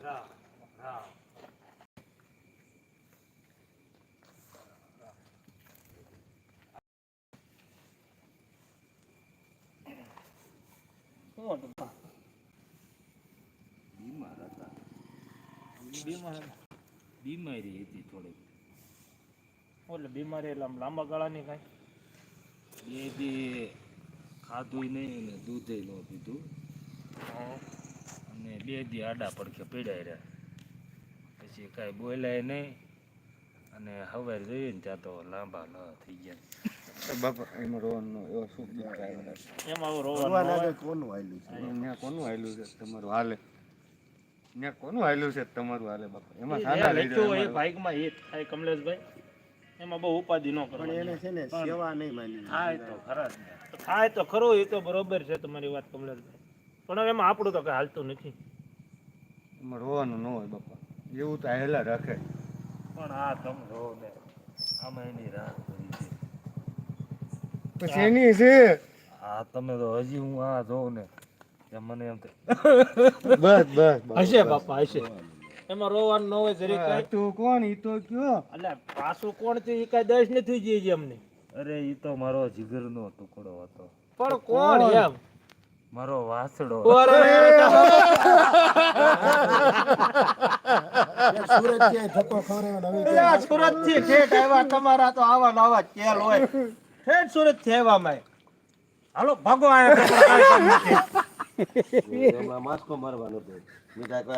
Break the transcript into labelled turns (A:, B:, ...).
A: રામ રામ
B: બીમાર હતા.
A: બીમારી
B: હતી થોડીક.
A: એટલે બીમારી એટલે આમ લાંબા ગાળાની કાંઈ
B: બે દી ખાધું નહીં ને દૂધે ન પીધું અને 2 દી આડા પડખે પીડાઈ રહ્યા. પછી કાંઈ બોલાય નહીં અને હવે જોઈએ ને ત્યાં તો લાંબા ન થઈ ગયા.
C: બાપા એમાં રોવાનું એવો શું થાય?
A: એમાં આવું રોવાનું
C: કોનું હાલ્યું છે? ત્યાં કોનું હાલ્યું છે તમારું હાલે? ત્યાં કોનું હાલ્યું છે તમારું હાલે બાપા? એમાં સાના લઈ
A: લખ્યું હોય બાઈકમાં એ થાય કમલેશભાઈ, એમાં બહુ ઉપાધિ ન કરવાની.
C: એને છે ને સેવા નહીં માની.
A: થાય તો ખરા જ ને. થાય તો ખરું, એ તો બરોબર છે તમારી વાત કમલેશભાઈ, પણ હવે એમાં આપણું તો કઈ હાલતું નથી.
C: એમાં રોવાનું ન હોય બાપા, એવું તો હેલા રાખે.
A: પણ આ તમે જોવો ને, આમાં એની રાહ કરી છે.
C: પછી એની છે
B: આ તમે તો હજી હું આ જોઉં ને ત્યાં મને એમ થાય
C: બસ બસ
A: હશે બાપા હશે, એમાં રોવાનું ન હોય જરીક કાંઈ.
C: તું કોણ ઈ તો કયો?
A: એટલે પાછું કોણ છે એ કાંઈ દસ નથી જઈએ છે અમને.
B: અરે એ તો મારો જીગરનો ટુકડો હતો,
A: પણ કોણ એમ?
B: મારો વાસડો.
C: સુરત થી ધક્કો ખવડાવ્યો હવે
A: સુરત થી ઠેઠ આવ્યા, તમારા તો આવા નવા ચેલ હોય. ઠેઠ સુરત થી આવ્યા માય. હાલો ભાગો આયા.
C: માસ્કો મારવાનો તો